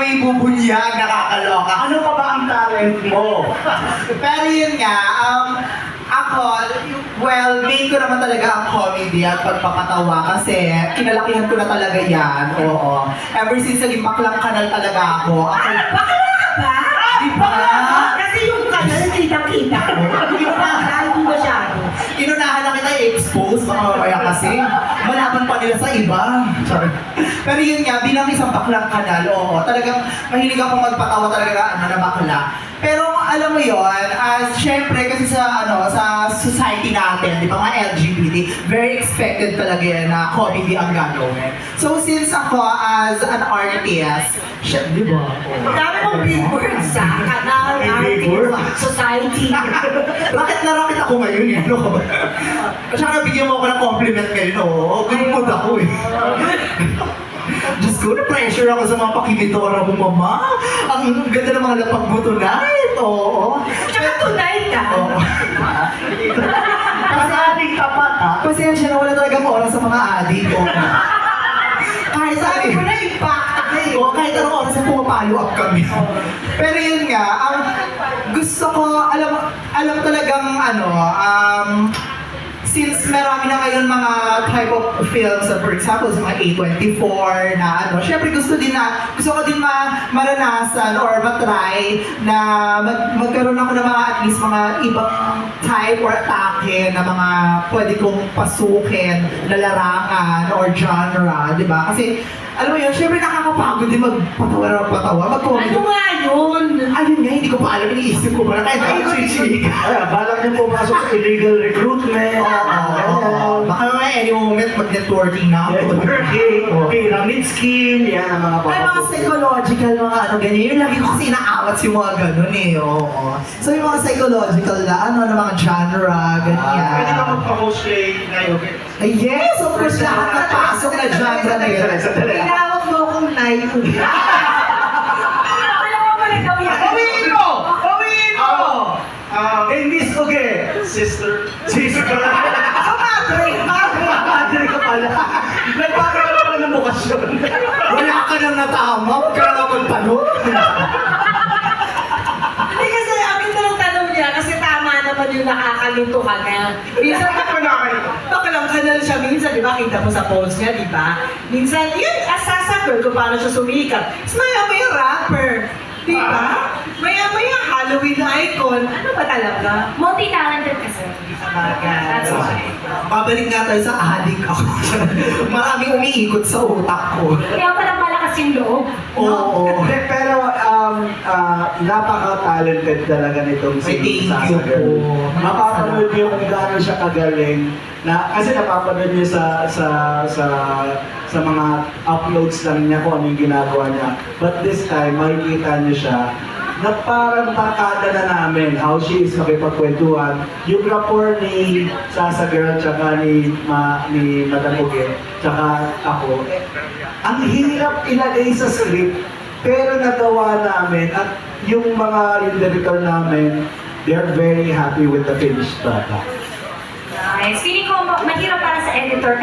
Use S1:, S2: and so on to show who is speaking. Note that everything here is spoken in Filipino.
S1: may bubunyag, nakakaloka.
S2: Ano pa ba ang talent mo?
S1: Pero yun nga, ako, well, main ko naman talaga ang comedy at pagpapatawa kasi kinalakihan ko na talaga yan, oo. Ever since naging baklang kanal talaga ako.
S3: Bakla ka ba?
S1: Diba?
S3: Kasi yung kanal, kitang-kita ko. Hindi mo na, hindi masyado.
S1: Inunahan na kita i-expose, baka mamaya kasi. Malaban pa nila sa iba. Sorry. Pero yun nga, bilang isang baklang kanal, oo, talagang mahilig ako magpatawa talaga na bakla. Pero alam mo yon, syempre kasi sa sa society natin, di ba mga LGBT, very expected talaga yan na comedy ang gagawin. So since ako as an artist, di ba?
S3: Dami mong big words sa kanal, artist, society.
S1: Rocket na rocket ako ngayon eh. Ano ka ba? Kasi nabigyan mo ako ng compliment ngayon, oo. Good mood ako eh. Diyos ko, na-pressure ako sa mga pakibitora mo, mama. Ang ganda ng mga lapag mo tonight, oo.
S3: Tsaka tonight ka.
S1: Oo.
S2: Kasi ating tapat ha?
S1: Pasensya na wala talagang oras sa mga adik, oo. Kahit
S3: Sabi
S1: sabi
S3: ko na impact ka eh.
S1: oo, kahit anong oras na pumapalo up kami. Pero yun nga, ang gusto ko, alam talagang since marami na ngayon mga type of films, for example, sa mga A24 na syempre gusto ko din maranasan or matry na magkaroon ako ng mga at least mga ibang type or atake na mga pwede kong pasukin na larangan or genre, di ba? Kasi alam mo yun, syempre nakakapagod din magpatawa, mag-comedy.
S3: Ano nga yun?
S1: Ayun nga, hindi ko pa alam, iniisip ko pa na kahit ako chichika.
S2: Ay, balak niyo pumasok sa illegal recruitment.
S1: Oo. Baka naman any moment mag-networking na ako.
S2: Pyramid scheme, yan ang mga
S1: Ay, mga psychological, mga ganyan. Yung lagi ko kasi inaawat yung mga ganun eh. Oo. So yung mga psychological na na mga genre, ganyan.
S2: Pwede ka magpa-cosplay ngayon.
S1: Ay, yes, of course, lahat na pasok na genre na yun.
S3: Tinawag mo akong Nay. Alam mo ba ikaw yan?
S2: Bawiin mo! Bawiin mo! In Miss Uge, sister. Madre ka pala. Nagpapagawa ka ng bukasyon.
S1: Wala ka nang natama, huwag ka na magtanong.
S3: Hindi kasi amin na lang tanong niya kasi tama naman yung nakakalito ka na. Minsan bakalang kanal siya minsan, di ba? Kita mo sa post niya, di ba? Minsan, yun, asasagol kung paano siya sumikat. Tapos maya-maya rapper. Di ba? Maya-maya Halloween icon. Ano ba talaga?
S4: Multi-talented kasi. That's why.
S1: Babalik nga tayo sa adik ako. Maraming umiikot sa utak ko.
S4: Kaya pala malakas yung loob.
S1: Oo.
S2: Pero napaka-talented talaga nitong
S1: Ay,
S2: si
S1: thank you
S2: Sasa Girl.
S1: po.
S2: Mapapanood niyo kung gaano siya kagaling. Kasi napapanood niyo sa mga uploads lang niya kung ano yung ginagawa niya. But this time, makikita niyo siya na parang barkada na namin how she is makipagkwentuhan. Yung rapport ni Sasa Girl tsaka ni Madam Uge tsaka ako, ang hirap ilagay sa script pero nagawa namin at yung director namin, they're very happy with the finished product.
S4: Nice. Feeling ko mahirap para sa editor